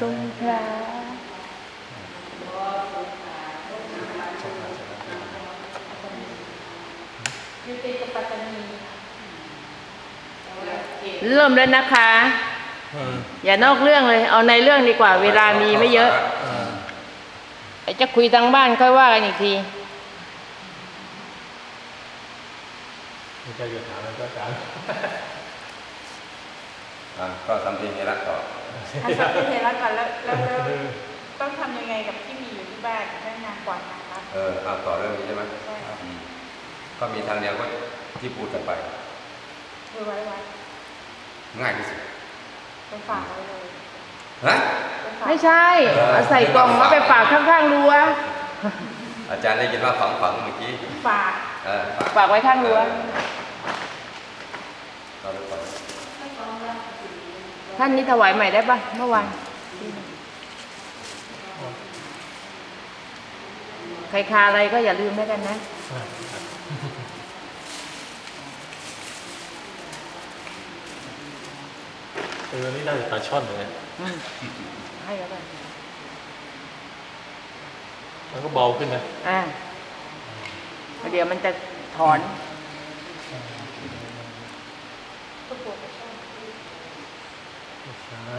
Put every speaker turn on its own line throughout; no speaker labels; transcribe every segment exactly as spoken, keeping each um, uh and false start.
สงขลาอยู่ติดกับปัตตานีเริ่มแล้วนะคะอย่านอกเรื่องเลยเอาในเรื่องดีกว่าเวลามีไม่เยอะไอ้จะคุยทางบ้านค่อยว่ากันอีกที
ไม่ใช่จะถามแล้วก็อาจารย์
ก็ทำเพลงให้รักต่อ
ทำเพลงให้รักก่อนแล้วแล้วต้องทำยังไงกับที่มีอยู่ที่บ้านเรื่องงานกวาดงานรัก
เออเอาต่อเรื่องนี้ใช่ไหม
ใช่
ก็มีทางเดียวก็ที่พูดกันไป
ไว้ไว้ไว้
ง่ายที่สุด
ไปฝากไว้เลย
ฮะ
ไม่ใช่เอาใส่กล่องแล้วไปฝากข้างๆรั้ว
อาจารย์ได้ยินว่าฝังฝังเมื่อกี้
ฝาก
เออ
ฝากไว้ข้างรั้วท่านนี้ถวายใหม่ได้ปะเมื่อวานใครคาอะไรก็อย่าลืมแล้วกันนะ
เออนี่น่าจะปลาช่อนเลย
ให้แล้วกัน
มันก็เบาขึ้นนะ
อ่าเดี๋ยวมันจะถอน
ใช่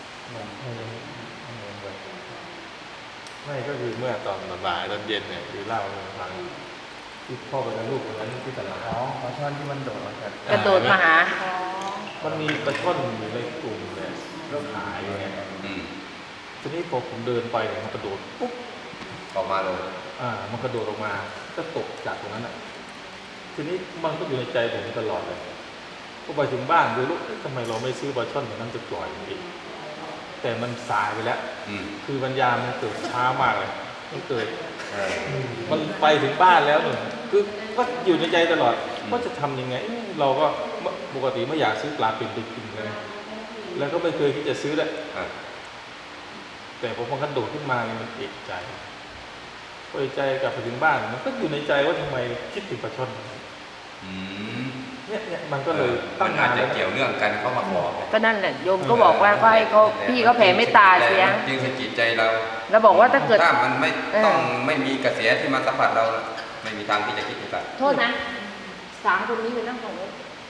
ไม่ก็คือเมื่อตอนบ่ายตอนเย็นเนี่ยคือเล่าให้ฟังที่พ่อกับลูกคนนั้นที่ตลาดอ๋อปลาช่อนที่มันโดดมาจาก
กระโดดมาหา
มันมีปลาช่อนอยู่ในกลุ่มเนี่ยก็ขายอย่างเงี้ยทีนี้พอผมเดินไปเนี่ยมันกระโดดปุ๊บ
ออกมาเลย
อ่ามันกระโดดออกมาก็ตกจากตรงนั้นอ่ะทีนี้มันก็อยู่ในใจผมตลอดเลยพอไปถึงบ้านดูลูกทำไมเราไม่ซื้อปลาช่อนแบบนั้นจะปล่อยอีกแต่มันสายไปแล้วคือปัญญามันเกิดช้ามากเลยมันเกิดมันไปถึงบ้านแล้วหนึ่งคือก็อยู่ในใจตลอดว่าจะทำยังไงเราก็ปกติไม่อยากซื้อปลาเป็นไปกินเลยแล้วก็ไม่เคยที่จะซื้อเลยแต่พอมันกระโดดขึ้นมาเนี่ยมันเอกใจพอเอกใจกลับไปถึงบ้านมันก็อยู่ในใจว่าทำไมคิดถึงปลาช่อนเนี่ยเนี่ยมันก็เลย
ตั้งงานจะเกี่ยวเรื่องกันเขามาบอก
ก็นั่นแหละโยมก็บอกว่าก็ให้เขาพี่เขาแผ่เมตตาเสีย
จริงสกิดใจเรา
เราบอกว่าถ้าเกิด
ถ้ามันไม่ต้องไม่มีกระแสที่มาสัมผัสเราไม่มีทางที่จะคิดกัน
โทษนะสามคนนี้เป็นนั่งของรถ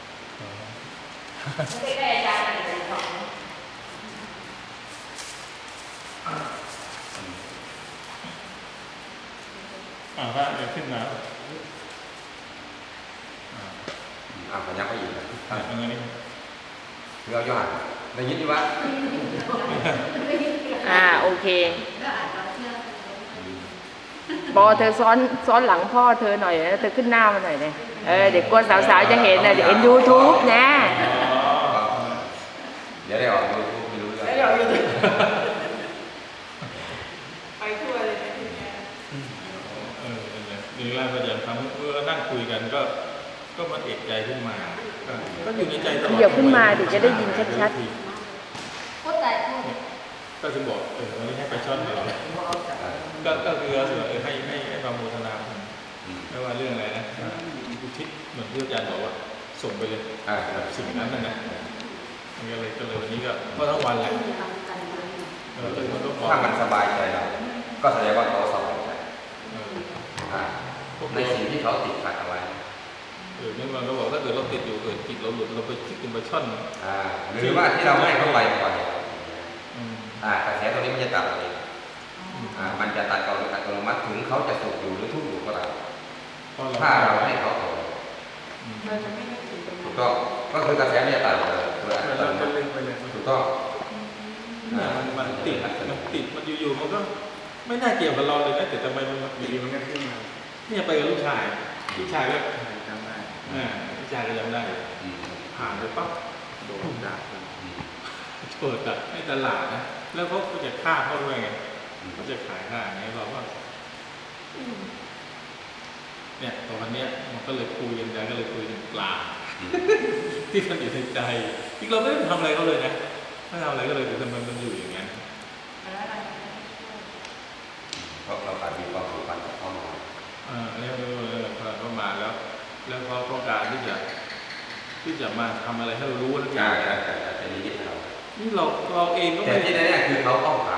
ไม่ได้อาจารย์อะไรของ
อ่าพระเดี๋ยวขึ้นมา
อ่าพยักไปอีก
อ่าอย่างนี้
เราย้อนได้ยินดีวะ
อ่าโอเคปอเธอซ้อนซ้อนหลังพ่อเธอหน่อยนะเธอขึ้นหน้ามาหน่อยเลยเออเด็กกวนสาวๆจะเห็นนะเดี๋ยวเห็นยูทูบนะ
เดี๋ยวได้ออกยูทูบไม่รู้เรื่อง
ได้ออกยูทูบไปทั่วเลยนะทีนี้
เออนี่แรกก็จะทำเมื่อนั่งคุยกันก็ก็มันเอกใจขึ้นมาก็อยู่ในใจตลอด
เดี๋ยวขึ้นมาเดี๋ยวจะได้ยินชัด
ๆก็ใจก็ถึงบอกเออวันนี้ให้ไปช่อนตลอดก็ก็คือเออให้ให้ให้ความโมทนาไม่ว่าเรื่องอะไรนะอุทิศเหมือนที่อาจารย์บอกว่าส่งไปเลยสิ่งนั้นนั่นนะมันก็เลยก็เลยวันนี้ก็ก็ทั้งวันแหละเออ
ถ้ามันสบายใจเราก็แสดงว่าเขาสบายใจในสิ่งที่เขาติดขัดเอาไว้
เออนี่มันก็บอกถ้าเกิดเราติดอยู่เกิดจิตเราหลุดเราไปคิดถึงปลาช่อน
หรือว่าที่เราให้เขาไปก่อนกระแสตรงนี้มันจะตัดเองมันจะตัดเอาโดยอัตโนมัติถึงเขาจะสุขอยู่หรือทุกข์อยู่ก็ตามถ้าเราให้เขาต่อถูกต้องก็คือกระแสเนี่ยตัดเลยถูกต้อง
มันติดมันติดมันอยู่ๆมันก็ไม่น่าเกี่ยวกับเราเลยนะแต่ทำไมมันอยู่ดีมันก็ขึ้นมาเนี่ยไปกับลูกชายลูกชายก็จำได้ลูกชายก็จำได้ผ่านไปปั๊บโดนด่าเปิดอะให้ตลาดนะแล้วเขาจะฆ่าเขาด้วยไงเขาจะขายฆ่าไงเราว่าเนี่ยตอนนี้มันก็เลยคุยกันก็เลยคุยถึงปลาที่มันอยู่ในใจที่เราไม่ได้ทำอะไรเขาเลยนะไม่ทำอะไรก็เลยแต่ทำไมมันอยู่อย่างนั้น
เพราะเราการมีความผูกพันกับเขามา
อ่าเนี่ยเขามาแล้วแล้วเขาต้องการที่จะที่จะมาทำอะไรให้เรารู้ทุกอย่าง
เป็นนิดเรา
นี่เราเราเองก็
แต่ที่แน่ๆคือเขาต้องการ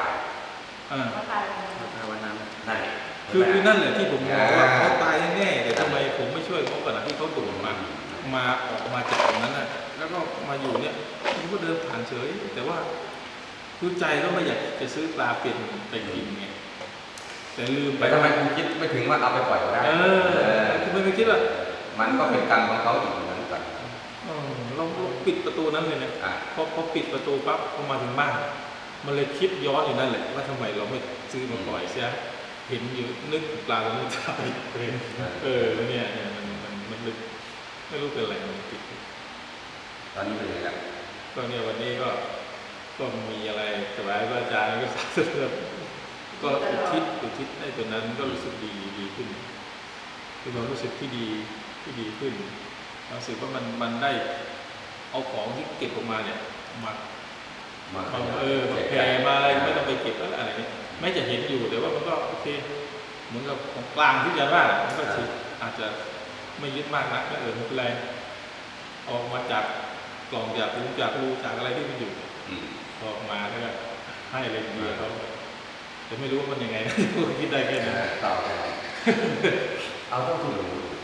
อ่า
เขาตายไป
ภาวนานั่นแหละ
คือคือนั่นแหละที่ผมมองว่าเขาตายแน่ๆแต่ทำไมผมไม่ช่วยเขาก่อนนะที่เขาโดดมามาออกมาจากตรงนั้นน่ะแล้วก็มาอยู่เนี่ยผมก็เดินผ่านเฉย แต่ว่าคือใจก็ไม่อยากจะซื้อปลาเป็นไปกินไงแต่ลืมไป
ไปทำไมคุณคิดไม่ถึงว่าเอาไปปล่อยก็ได้
เออคือไม่ไม่คิดว่า
มันก็เป็นกรรมของเขาอีกเหมือนกัน
เออเราเราปิดประตูนั้นเลยนะ
อ่ะ
พอพอปิดประตูปั๊บพอมาถึงบ้านมันเลยคิดย้อนอยู่นั่นแหละว่าทำไมเราไม่ซื้อมาปล่อยเสียเห็นอยู่นึกถึงปลาตัวนี้ตายเลยเออเนี่ยเนี่ยมันมันมันลึกไม่รู้เป็นอะไรมันติด
ตอนนี้เป็นยังไงล่ะ
ก็เนี่ยวันนี้ก็ก็มีอะไรสบายพระอาจารย์ก็สาธุก็อุทิศอุทิศให้ตัวนั้นก็รู้สึกดีดีขึ้นคือความรู้สึกที่ดีที่ดีขึ้นรู้สึกว่ามันมันได้เอาของที่เก็บออกมาเนี่ยมา
มา
เอาเออมาแผ่มาอะไรไม่ต้องไปเก็บแล้วอะไรเนี่ยไม่จะเห็นอยู่แต่ว่ามันก็โอเคเหมือนกับของกลางที่จะว่ามันก็คืออาจจะไม่ยึดมากนักก็เออไม่เป็นไรออกมาจากกล่องจากรูจากรูจากอะไรที่มันอยู่
อืม
ออกมาแล้วก็ให้อะไรเดียวเขาแต่ไม่รู้ว่ามันยังไงนะ คิดได้แค่
เอ
นั้น
อต่อไปเอาต้องถูกรู้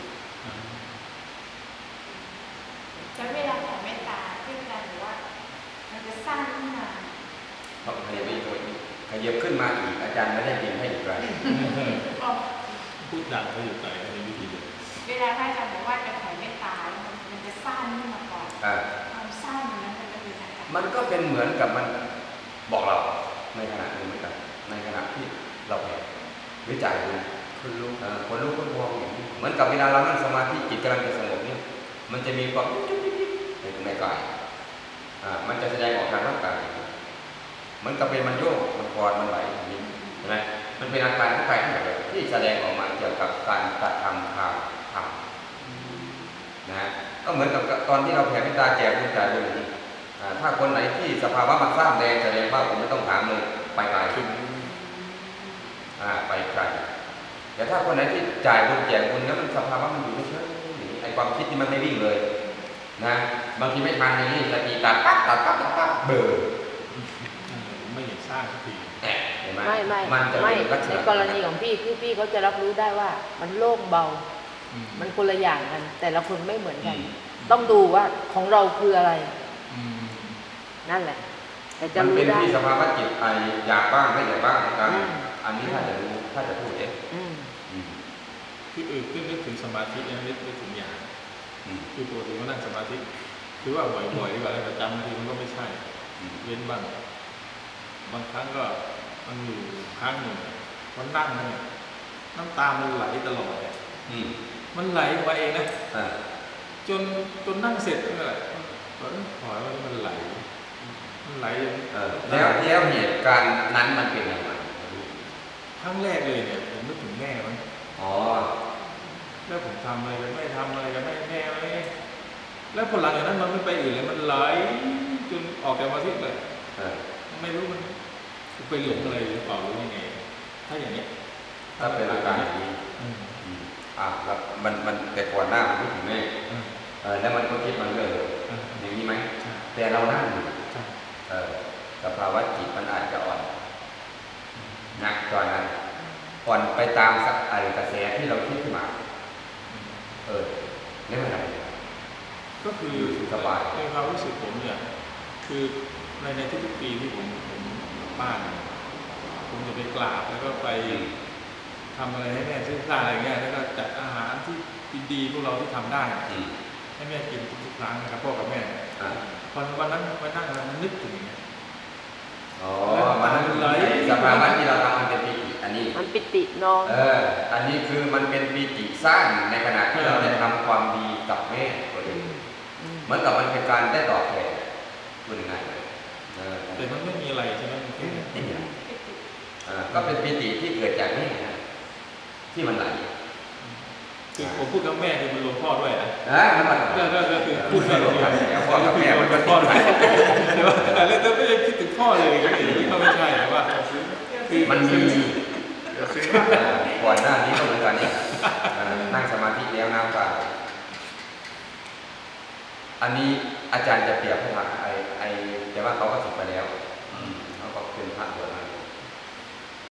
แล้วเวลาของเมตตาที่อาจารย์บอกว่า มันจะสร้างขึ้นมา
ต้องขยับไปอีกตัวอีกขยับขึ้นมาอีกอาจารย์ไม่ได้เรียนให้อีกไร
ออก
พูดดังเขาอยู่ใจในวิธีเดียว
เวลาพระอาจารย์บอกว่าจะแผ่เมตตามันมันจะสร้างขึ้นมาก่อน
อ่า
ความสร้างนั้นมันจะเป็นอะไร
มันก็เป็นเหมือนกับมันบอกเราในขณะนี้เหมือนกันในขณะที่เราแผ่วิจัยดูคนรู้เอ่อคนรู้คนพองอย่างนี้เหมือนกับเวลาเรานั่งสมาธิจิตกำลังจะสงบเนี่ยมันจะมีความจุ๊บจิ๊บจิ๊บในในกายอ่ามันจะแสดงออกทางร่างกายเหมือนกับเป็นมันโยกมันคลอนมันไหลอย่างนี้ใช่ไหมมันเป็นอาการของกายทั้งหมดเลยที่แสดงออกมาเกี่ยวกับการกระทำทางธรรมนะก็เหมือนกับตอนที่เราแผ่เมตตาแก่บุญแก่บุญอย่างนี้อ่าถ้าคนไหนที่สภาวะมันสร้างแรงแสดงว่าผมไม่ต้องถามเลยไปไกลอ่าไปไกลแต่ถ้าคนไหนที่จ่ายบุญแก่บุญแล้วมันสภาวะมันอยู่ไม่เฉยอย่างนี้ไอ้ความคิดที่มันไม่วิ่งเลยนะบางทีไม่ทันอย่างนี้สติตัดปั๊บตัดปั๊บตัดปั๊บเบอร์
ไม่เห็นสร้างสักที
แอะเห็นไหม
ไม่ไม่
มันจะ
ไม่
เป็นลักษ
ใน
ณะ
กรณีของพี่คือพี่เขาจะรับรู้ได้ว่ามันโล่งเบา
อืม
มันคนละอย่างกัน แต่ละคนไม่เหมือน
อื
กัน
ม
ต้องดูว่าของเราคืออะไร
อืม
นั่นแหละ แต่จะ
มัน
รู้
เป็น
ได้
ที่สภาวะจิตไออยากบ้างไม่อยากบ้างนะครับ
อืม
อันนี้ถ้าจะรู้ถ้าจะพูดเอง
อืม
อืม
คือเออขึ้นนึกถึงสมาธิเนี่ยนึกนึกถึงอย่าง
อืม
คือปกติก็นั่งสมาธิคือว่าบ่อยๆดีกว่าอะไรประจำบางทีมันก็ไม่ใช่
อืม
เว้นบ้างบางครั้งก็มันอยู่ครั้งหนึ่งมันนั่งเนี่ยน้ำตามันไหลตลอดเลย
อืม
มันไหลออกมาเองนะ
อ่า
จนจนนั่งเสร็จนั่นแหละก็ขอว่ามันไหล มันไหล
เออแล้วแล้วเหตุการณ์นั้นมันเป็นยังไง
ครั้งแรกเลยเนี่ยผมนึกถึงแม่มัน
อ๋อ
แล้วผมทำอะไรกันแม่ทำอะไรกันแม่แม่ไหมแล้วพอหลังจากนั้นมันไม่ไปอื่นเลยมันไหลจนออกจากมาทิตเลย
เออ
ไม่รู้มันไปหลงอะไรหรือเปล่าหรือยังไง ถ้าอย่างเนี้ย
ถ้าเป็นอาการอย่างนี้
อืม
อืมอ่าแล้วมันมันแต่ก่อนหน้ามันคิดถึงแม่
อืม
เออแล้วมันก็คิดมันเรื่อยเลย
อืม
อย่างนี้ไหม
ใช่
แต่เรานั่งอยู่
ใช่
เออสภาวะจิตมันอาจจะอ่อนหนักตอนนั้นอ่อนไปตามสักอะไรกระแสที่เราคิดขึ้นมา
อืม
เออนี่มันอะไร
ก็คือ
อยู่สบาย
ในความรู้สึกผมเนี่ยคือในในทุกๆปีที่ผมผมกลับบ้านเนี่ยผมจะไปกราบแล้วก็ไปทำอะไรให้แม่ซื้อข้าวอะไรเงี้ยแล้วก็จัดอาหารที่ดีๆพวกเราที่ทำได้
อืม
ให้แม่กินทุกๆครั้งนะครับพ่อกับแม่
อ่า
พอวันนั้นมานั่งแล้วมันนึกถึงอย่างเงี้ย
อ๋อมันสภาวะที่เราทำมันเป็นปีติอันนี้
มันปิติน้อง
เออ อันนี้คือมันเป็นปีติสร้างในขณะที่เราได้ทำความดีกับแม่ตัวเอง
อืม
เหมือนกับมันเป็นการได้ตอบแทนพูดง่ายๆเลยเออ
แต่มันไม่มีอะไรใช่ไหมมันแค่
นี่ไงเออก็เป็นปีติที่เกิดจากแม่นะที่มันไหล
คือผมพูดกับแม่คือมันรวมพ่อด้วยนะ
นะมันมัน
ก็ก็ก็คือพูด
ไม่
ไม่
ร
ร
ว
ว
ม
ม
กั
กัน น
แล้วพ่อกับแม่มันก็
พ่อ
ติด
ด้
กั
วน ยแต่ว่าแต่แล้วไม่ได้คิดถึงพ่อเลยอย่างนี้ก็ไม่ใช่แต่ว่าคือ
มันมีเออก่อนหน้านี้ก็เหมือนกันเนี่ยเออนั่งสมาธิแล้วน้ำตาอันนี้อาจารย์จะเปรียบให้ฟังไอ้ไอ้แต่ว่าเขาก็ศึก